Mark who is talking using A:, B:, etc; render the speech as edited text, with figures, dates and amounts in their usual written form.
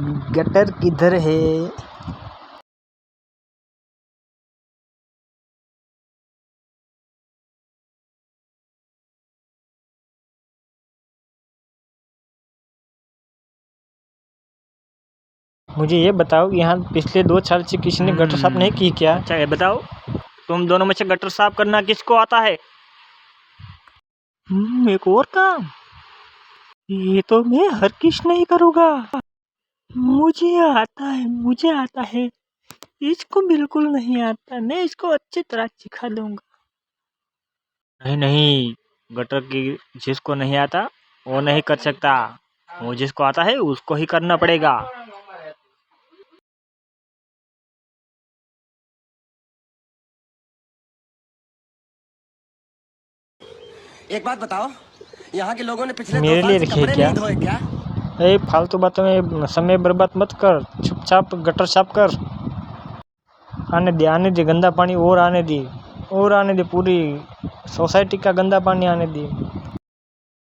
A: Gutter किधर है? मुझे ये बताओ, यहाँ पिछले 2 साल से किसी ने गटर साफ नहीं की क्या?
B: अच्छा ये बताओ, तुम दोनों में से गटर साफ करना किसको आता है?
A: एक और काम, ये तो मैं हर किस नहीं करूँगा। मुझे आता है। इसको बिल्कुल नहीं आता, मैं इसको अच्छी तरह सिखा दूंगा।
B: नहीं, गटर की जिसको नहीं आता वो नहीं कर सकता, वो जिसको आता है उसको ही करना पड़ेगा।
C: एक बात बताओ, यहाँ के लोगों ने पिछले 2
A: मेरे
C: साल
A: लिए
C: से
A: रखिए
C: कपड़े
A: क्या?
C: नहीं धोए क्या?
A: फालतू बातों में समय बर्बाद मत कर, चुपचाप गटर साफ कर। आने दे गंदा पानी, और आने दे, पूरी सोसाइटी का गंदा पानी आने दे।